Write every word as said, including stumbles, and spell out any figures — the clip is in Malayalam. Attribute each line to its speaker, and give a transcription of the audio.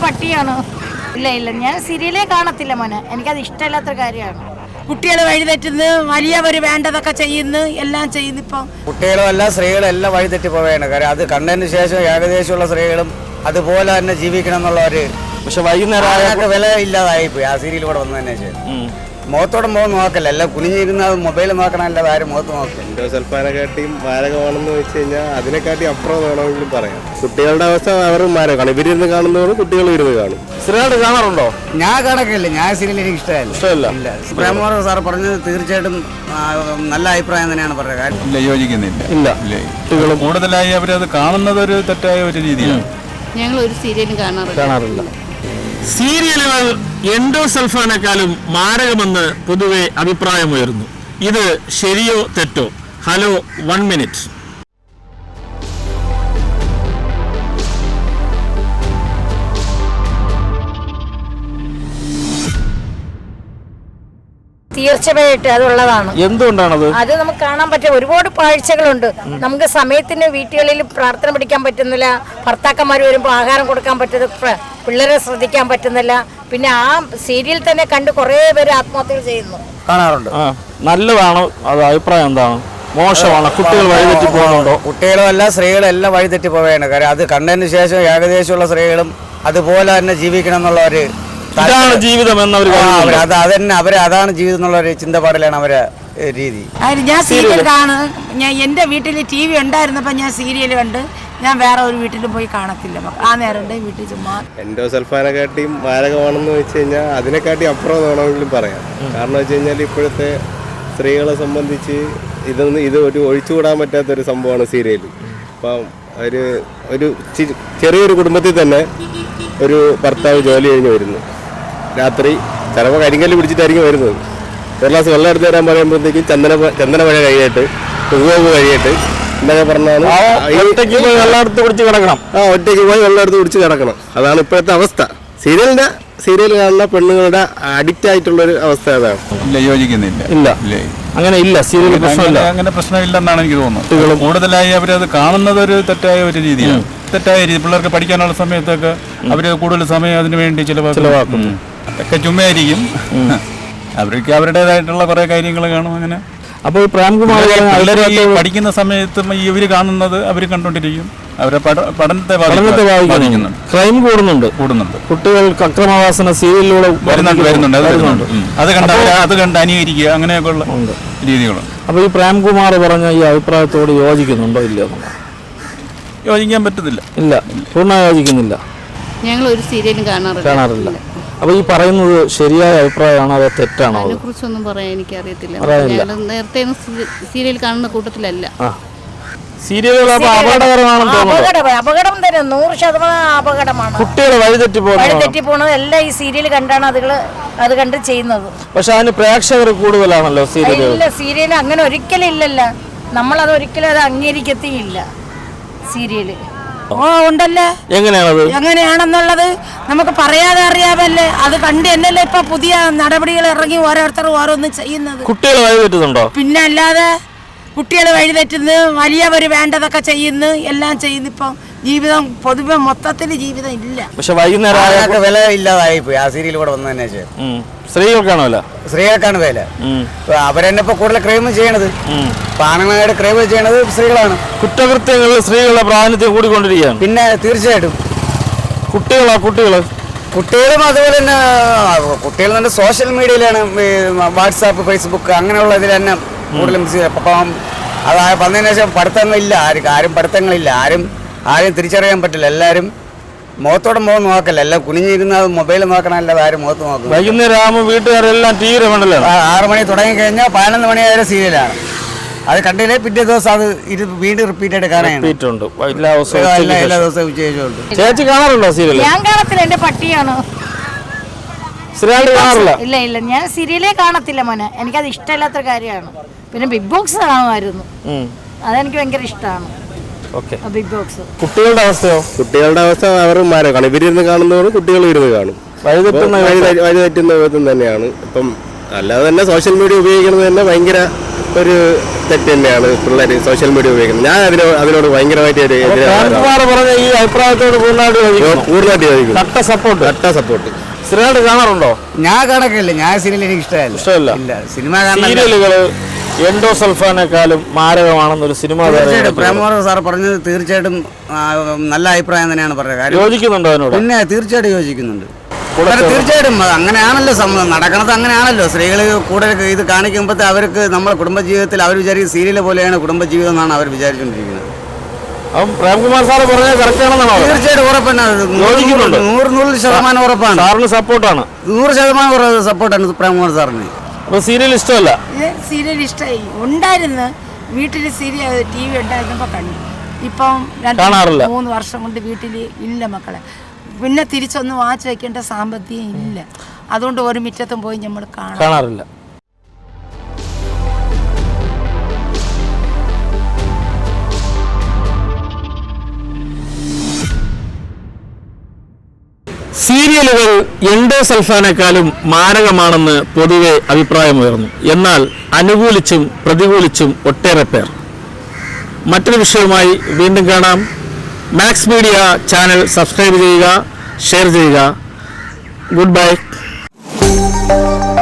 Speaker 1: പട്ടിയാണ്. ഇല്ല ഇല്ല ഞാൻ സീരിയലേ കാണത്തില്ല മോനെ, എനിക്കത് ഇഷ്ടമില്ലാത്ത കാര്യമാണ്.
Speaker 2: കുട്ടികൾ വഴിതെറ്റുന്നു, വലിയവർ വേണ്ടതൊക്കെ ചെയ്യുന്നു, എല്ലാം ചെയ്യുന്നു. ഇപ്പം
Speaker 3: കുട്ടികളും അല്ല സ്ത്രീകളും എല്ലാം വഴിതെറ്റി പോവുകയാണ്. കാര്യം അത് കണ്ടതിന് ശേഷം ഏകദേശമുള്ള സ്ത്രീകളും അതുപോലെ തന്നെ ജീവിക്കണം എന്നുള്ള ഒരു
Speaker 4: പക്ഷെ വൈകുന്നേരം
Speaker 3: വില ഇല്ലാതായി പോയി ആ സീരിയൽ കൂടെ വന്നതിന് ശേഷം. മുഖത്തോടെ മുഖം നോക്കല്ല, എല്ലാം കുനിഞ്ഞിരുന്ന മൊബൈൽ നോക്കണമല്ലാതെ ആരും മുഖത്ത് നോക്കില്ല.
Speaker 5: എൻഡോ സൽഫാനെക്കാട്ടിയും മാരകമാണെന്ന് വെച്ച് കഴിഞ്ഞാൽ അതിനെക്കാട്ടി അപ്പുറം വേണമെങ്കിലും പറയാം. കുട്ടികളുടെ അവസ്ഥ അവർ മാരകമാണ്. ഇവരിരുന്ന് കാണുന്നവരും കുട്ടികൾ ഇരുന്ന് കാണും.
Speaker 4: സ്ഥിരമായിട്ട് കാണാറുണ്ടോ?
Speaker 3: ഞാൻ കണക്കില്ല, ഞാൻ സീരിയൽ എനിക്ക് ഇഷ്ടമല്ല.
Speaker 4: ഇഷ്ടമല്ല.
Speaker 3: ഇല്ല, പ്രേമോഹൻ സാർ പറഞ്ഞത് തീർച്ചയായിട്ടും നല്ല അഭിപ്രായം തന്നെയാണ് പറഞ്ഞത്.
Speaker 6: ഇല്ല, യോജിക്കുന്നില്ല.
Speaker 4: ഇല്ല,
Speaker 6: കുട്ടികൾ കൂടുതലായി അവരത് കാണുന്നത് ഒരു തെറ്റായ ഒരു രീതിയാണ്.
Speaker 1: ഞങ്ങൾ ഒരു സീരിയലും കാണാറില്ല
Speaker 4: കാണാറില്ല
Speaker 7: സീരിയലുകൾ എൻഡോസൾഫാനേക്കാളും മാരകമെന്ന് പൊതുവെ അഭിപ്രായമുയർന്നു. ഇത് ശരിയോ തെറ്റോ? Hello one minute.
Speaker 1: തീർച്ചയായിട്ടും അതുള്ളതാണ്.
Speaker 4: എന്തുകൊണ്ടാണത്?
Speaker 1: അത് നമുക്ക് കാണാൻ പറ്റിയ ഒരുപാട് കാഴ്ചകളുണ്ട്. നമുക്ക് സമയത്തിന് വീട്ടുകളിൽ പ്രാർത്ഥന പഠിക്കാൻ പറ്റുന്നില്ല, ഭർത്താക്കന്മാർ വരുമ്പോൾ ആഹാരം കൊടുക്കാൻ പറ്റുന്ന, പിള്ളേരെ ശ്രദ്ധിക്കാൻ പറ്റുന്നില്ല. പിന്നെ ആ സീരിയൽ തന്നെ കണ്ട് കുറേ പേര് ആത്മഹത്യകൾ ചെയ്യുന്നു.
Speaker 3: കാണാറുണ്ട്.
Speaker 4: നല്ലതാണോ? അത് അഭിപ്രായം എന്താണ്? മോശമാണ്? കുട്ടികൾ വഴിതെറ്റി പോകുന്നുണ്ടോ?
Speaker 3: കുട്ടികളും അല്ല സ്ത്രീകളും എല്ലാം വഴിതെറ്റി പോവുകയാണ്. കാര്യം അത് കണ്ടതിന് ശേഷം ഏകദേശമുള്ള സ്ത്രീകളും അതുപോലെ തന്നെ ജീവിക്കണം എന്നുള്ള ഒരു
Speaker 4: ഇതാണ് ജീവിതം എന്നവർ
Speaker 3: അത് അതന്നെ അവരെ അതാണ് ജീവിതം എന്നുള്ള ഒരു ചിന്തപാടിലാണ് അവരെ രീതി.
Speaker 2: ഞാൻ സീരിയൽ കാണും. ഞാൻ എൻ്റെ വീട്ടിൽ ടി വി ഉണ്ടായിരുന്നപ്പോൾ ഞാൻ സീരിയൽ കണ്ട് ഞാൻ വേറെ ഒരു വീട്ടിലും പോയി കാണത്തില്ല. ആ നേരം വീട്ടിൽ ചുമ്മാ.
Speaker 5: എൻഡോ സൽഫാനെക്കാട്ടിയും മാരകമാണെന്ന് വെച്ച് കഴിഞ്ഞാൽ അതിനെക്കാട്ടി അപ്പുറം വേണമെങ്കിലും പറയാം. കാരണം വെച്ച് കഴിഞ്ഞാൽ ഇപ്പോഴത്തെ സ്ത്രീകളെ സംബന്ധിച്ച് ഇതൊന്നും ഇത് ഒരു ഒഴിച്ചുകൂടാൻ പറ്റാത്തൊരു സംഭവമാണ് സീരിയൽ. അപ്പം ഒരു ഒരു ചെറിയൊരു കുടുംബത്തിൽ തന്നെ ഒരു ഭർത്താവ് ജോലി കഴിഞ്ഞ് വരുന്നു, രാത്രി ചിലപ്പോൾ കരിങ്കല്ല് പിടിച്ചിട്ടായിരിക്കും വരുന്നത്. ഒരു ഗ്ലാസ് വെള്ളം എടുത്ത് തരാൻ പറയുമ്പോഴത്തേക്കും ചന്ദന ചന്ദന മഴ കഴിയട്ട് ഉവ്വ് കഴിയട്ട് എന്നൊക്കെ പറഞ്ഞാണ്
Speaker 4: ഒറ്റയ്ക്ക് പോയി വെള്ളം എടുത്ത് കുടിച്ച് കിടക്കണം.
Speaker 5: ആ ഒറ്റയ്ക്ക് പോയി വെള്ളം എടുത്ത് കുടിച്ച് കിടക്കണം. അതാണ് ഇപ്പോഴത്തെ അവസ്ഥ. സീരിയലിൻ്റെ സീരിയൽ കാണുന്ന പെണ്ണുങ്ങളുടെ അഡിക്റ്റ് ആയിട്ടുള്ളൊരു അവസ്ഥ അതാണ്.
Speaker 6: ഇല്ല, യോജിക്കുന്നില്ല.
Speaker 4: ഇല്ല, അങ്ങനെ ഇല്ല. സീരിയൽ പ്രശ്നമില്ല,
Speaker 6: അങ്ങനെ പ്രശ്നമില്ലെന്നാണ് എനിക്ക് തോന്നുന്നത്. കൂടുതലായി അവരത് കാണുന്നത് ഒരു തെറ്റായ ഒരു രീതിയാണ്. തെറ്റായ രീതി. പിള്ളേർക്ക് പഠിക്കാനുള്ള സമയത്തൊക്കെ അവർ കൂടുതൽ സമയം അതിനു വേണ്ടി ചിലവാക്കും. ഒക്കെ ചുമ്മായിരിക്കും. അവർക്ക് അവരുടേതായിട്ടുള്ള കുറെ കാര്യങ്ങൾ കാണും. അങ്ങനെ
Speaker 4: അപ്പോൾ പ്രേംകുമാർ
Speaker 6: പഠിക്കുന്ന സമയത്തും ഇവർ കാണുന്നത് അവർ കണ്ടുകൊണ്ടിരിക്കും. അവരെ പഠനത്തെ
Speaker 4: ബാധിക്കുന്നുണ്ട്. ക്രൈം കൂടുന്നുണ്ട് കൂടുന്നുണ്ട് കുട്ടികൾക്ക് അക്രമവാസന സീരിയലിലൂടെ
Speaker 6: വരുന്നുണ്ട് വരുന്നുണ്ട് അത് വരുന്നുണ്ട്. അത് കണ്ട് അത് കണ്ട് അനുകരിക്കുക, അങ്ങനെയൊക്കെയുള്ള രീതികളുണ്ട്.
Speaker 4: അപ്പോൾ ഈ പ്രേംകുമാർ പറഞ്ഞ ഈ അഭിപ്രായത്തോട് യോജിക്കുന്നുണ്ടോ ഇല്ലയോ?
Speaker 6: യോജിക്കാൻ പറ്റത്തില്ല.
Speaker 4: ഇല്ല, പൂർണ്ണ യോജിക്കുന്നില്ല.
Speaker 1: ഞങ്ങൾ ഒരു സീരിയലും കാണാറില്ല
Speaker 4: കാണാറില്ല അപ്പോൾ ഈ പറയുന്നത് ശരിയായ അഭിപ്രായമാണോ അതോ തെറ്റാണോ?
Speaker 1: അതിനെ കുറിച്ചൊന്നും പറയാൻ എനിക്കറിയത്തില്ല. നേരത്തെ സീരിയൽ കാണുന്ന കൂട്ടത്തിലല്ല.
Speaker 4: സീരിയലുകൾ അപകടകരമാണെന്ന് തോന്നുന്നു.
Speaker 1: അപകടം തന്നെ, നൂറ് ശതമാനം അപകടമാണ്.
Speaker 4: കുട്ടികൾ വഴിതെറ്റി
Speaker 1: വഴിതെറ്റി പോകുന്നത് എല്ലാം ഈ സീരിയൽ കണ്ടാണ് അതുകള് അത് കണ്ട് ചെയ്യുന്നത്.
Speaker 4: പക്ഷെ അതിന് പ്രേക്ഷകർ കൂടുതലാണല്ലോ സീരിയൽ.
Speaker 1: ഇല്ല, സീരിയൽ അങ്ങനെ ഒരിക്കലും ഇല്ലല്ലോ. നമ്മളത് ഒരിക്കലും അത് അംഗീകരിക്കത്തില്ല സീരിയല്.
Speaker 2: ഓ ഉണ്ടല്ലേ.
Speaker 4: എങ്ങനെയാണത്?
Speaker 2: എങ്ങനെയാണെന്നുള്ളത് നമുക്ക് പറയാതെ അറിയാമല്ലേ. അത് കണ്ട് എന്നല്ലേ ഇപ്പൊ പുതിയ നടപടികൾ ഇറങ്ങി ഓരോരുത്തരും ഓരോന്ന് ചെയ്യുന്നത്.
Speaker 4: കുട്ടികൾ വഴിതെറ്റുന്നുണ്ടോ?
Speaker 2: പിന്നെ അല്ലാതെ കുട്ടികൾ വഴിതെറ്റുന്നു, വലിയവർ വേണ്ടതൊക്കെ ചെയ്യുന്നു, എല്ലാം ചെയ്യുന്നു. ഇപ്പം ജീവിതം പൊതുവെ മൊത്തത്തിൽ ജീവിതം ഇല്ല.
Speaker 4: പക്ഷെ വൈകുന്നേരം
Speaker 3: വില ഇല്ലാതായി പോയി ആ സീരിയൽ കൂടെ വന്നതിന് ശേഷം.
Speaker 4: സ്ത്രീകൾക്കാണോ വില?
Speaker 3: സ്ത്രീകൾക്കാണ് വില. അവരെന്നെ ഇപ്പൊ കൂടുതൽ ക്രൈം ചെയ്യണത്, ആണുങ്ങളായിട്ട് ക്രൈം ചെയ്യണത് സ്ത്രീകളാണ്.
Speaker 4: കുറ്റകൃത്യങ്ങളിൽ സ്ത്രീകളുടെ പ്രാതിനിധ്യം കൂടിക്കൊണ്ടിരിക്കുകയാണ്.
Speaker 3: പിന്നെ തീർച്ചയായിട്ടും
Speaker 4: കുട്ടികളാ കുട്ടികൾ
Speaker 3: കുട്ടികളും അതുപോലെ തന്നെ കുട്ടികൾ തന്നെ സോഷ്യൽ മീഡിയയിലാണ്, വാട്സാപ്പ് ഫേസ്ബുക്ക് അങ്ങനെയുള്ള ഇതിൽ തന്നെ കൂടുതലും. അപ്പം അതായ വന്നതിന് ശേഷം പഠിത്തങ്ങളില്ല, ആരും ആരും പഠിത്തങ്ങളില്ല, ആരും ആരും തിരിച്ചറിയാൻ പറ്റില്ല. എല്ലാവരും മുഖത്തോടെ മുഖം നോക്കല്ല, എല്ലാം കുനിഞ്ഞിരുന്ന മൊബൈൽ നോക്കണമല്ലാതെ ആരും മുഖത്ത് നോക്കും.
Speaker 4: വൈകുന്നേരം ആകുമ്പോൾ വീട്ടുകാരെല്ലാം ടി വി കണ്ടല്ലോ.
Speaker 3: ആറ് മണി തുടങ്ങി കഴിഞ്ഞാൽ പതിനൊന്ന് മണി വരെ സീരിയലാണ്. അത് കണ്ടില്ലേ പിറ്റേ ദിവസം അത് ഇത് വീണ്ടും റിപ്പീറ്റ് ആയിട്ട് കാണാനുണ്ട്.
Speaker 4: എല്ലാ
Speaker 3: ദിവസവും ഉച്ചയുണ്ട്.
Speaker 4: ചേച്ചി കാണാറുണ്ടോ സീരിയൽ?
Speaker 1: ഞാൻ കാണത്തില്ല, എന്റെ പട്ടിയാണ്.
Speaker 4: കാണാറില്ല.
Speaker 1: ഇല്ല ഇല്ല ഞാൻ സീരിയലേ കാണത്തില്ല മോനെ, എനിക്കത് ഇഷ്ടമില്ലാത്ത കാര്യമാണ്. പിന്നെ ബിഗ് ബോക്സ് കാണുമായിരുന്നു, അതെനിക്ക് ഭയങ്കര ഇഷ്ടമാണ്. Big box.
Speaker 4: കുട്ടികളുടെ അവസ്ഥയോ?
Speaker 5: കുട്ടികളുടെ അവസ്ഥ അവർ മാരകമാണ്. ഇവരിരുന്ന് കാണുന്നവരും കുട്ടികൾ ഇരുന്ന് കാണും. വഴിതെറ്റുന്ന വഴിതെറ്റുന്ന വിധം തന്നെയാണ്. ഇപ്പം അല്ലാതെ തന്നെ സോഷ്യൽ മീഡിയ ഉപയോഗിക്കുന്നത് തന്നെ ഭയങ്കര ഒരു തെറ്റ് തന്നെയാണ് പിള്ളേർ സോഷ്യൽ മീഡിയ ഉപയോഗിക്കുന്നത്. ഞാൻ അതിനോട് അതിനോട് ഭയങ്കരമായിട്ട് ഒരു
Speaker 4: പ്രേംകുമാർ പറഞ്ഞ ഈ അഭിപ്രായത്തോട് പൂർണ്ണമായിട്ട് യോജിക്കുന്നു.
Speaker 5: പൂർണ്ണമായിട്ട് യോജിക്കുന്നു.
Speaker 4: കട്ട സപ്പോർട്ട്.
Speaker 5: കട്ട സപ്പോർട്ട്.
Speaker 4: സ്ഥിരമായിട്ട് കാണാറുണ്ടോ?
Speaker 3: ഞാൻ കണക്കില്ല, ഞാൻ സീരിയൽ എനിക്ക് ഇഷ്ടമല്ല.
Speaker 4: ഇഷ്ടമല്ല.
Speaker 3: ഇല്ല, സിനിമ കാണാൻ
Speaker 4: സീരിയലുകള് എൻഡോസൾഫാനേക്കാളും മാരകമാണെന്നൊരു സിനിമ
Speaker 3: തീർച്ചയായിട്ടും പ്രേംകുമാർ സാർ പറഞ്ഞത് തീർച്ചയായിട്ടും ആ, നല്ല അഭിപ്രായം തന്നെയാണ് പറഞ്ഞത്. കാര്യം
Speaker 4: യോജിക്കുന്നുണ്ടോ അതിനോട്?
Speaker 3: പിന്നെ തീർച്ചയായിട്ടും യോജിക്കുന്നുണ്ട്. കാരണം തീർച്ചയായിട്ടും അത് അങ്ങനെയാണല്ലോ സംഭവം നടക്കുന്നത്. അങ്ങനെയാണല്ലോ സ്ത്രീകൾ കൂടുതൽ ഇത് കാണിക്കുമ്പോഴത്തെ അവർക്ക് നമ്മളെ കുടുംബജീവിതത്തിൽ അവർ വിചാരിക്കുന്ന സീരിയൽ പോലെയാണ് കുടുംബജീവിതം എന്നാണ് അവർ വിചാരിച്ചുകൊണ്ടിരിക്കുന്നത്.
Speaker 4: അപ്പം പ്രേംകുമാർ സാറ് പറഞ്ഞത് കറക്റ്റ് ആണെന്നാണോ?
Speaker 3: തീർച്ചയായിട്ടും ഉറപ്പാണ്.
Speaker 4: യോജിക്കുന്നുണ്ട്.
Speaker 3: നൂറ് നൂറ് ശതമാനം ഉറപ്പാണ്.
Speaker 4: സാറിന് സപ്പോർട്ടാണ്.
Speaker 3: നൂറ് ശതമാനം സപ്പോർട്ടാണ് പ്രേംകുമാർ സാറിന്.
Speaker 4: അപ്പൊ സീരിയൽ ഇഷ്ടമല്ല?
Speaker 2: സീരിയൽ ഇഷ്ടമായി ഉണ്ടായിരുന്നു. വീട്ടിൽ സീരിയൽ ടി വി ഉണ്ടായിരുന്നപ്പോൾ കണ്ടു. ഇപ്പം രണ്ട്
Speaker 4: കാണാറില്ല.
Speaker 2: മൂന്ന് വർഷം കൊണ്ട് വീട്ടിൽ ഇല്ല മക്കളെ. പിന്നെ തിരിച്ചൊന്നും വാച്ച് വയ്ക്കേണ്ട സാമ്പത്തികം ഇല്ല. അതുകൊണ്ട് ഒരു മിറ്റത്തും പോയി നമ്മൾ
Speaker 4: കാണാറില്ല. സീരിയലുകൾ എൻഡോസൾഫാനേക്കാളും മാരകമാണെന്ന് പൊതുവെ അഭിപ്രായമുയർന്നു. എന്നാൽ അനുകൂലിച്ചും പ്രതികൂലിച്ചും ഒട്ടേറെ പേർ. മറ്റൊരു വിഷയവുമായി വീണ്ടും കാണാം. മാക്സ് മീഡിയ ചാനൽ സബ്സ്ക്രൈബ് ചെയ്യുക, ഷെയർ ചെയ്യുക. Good by.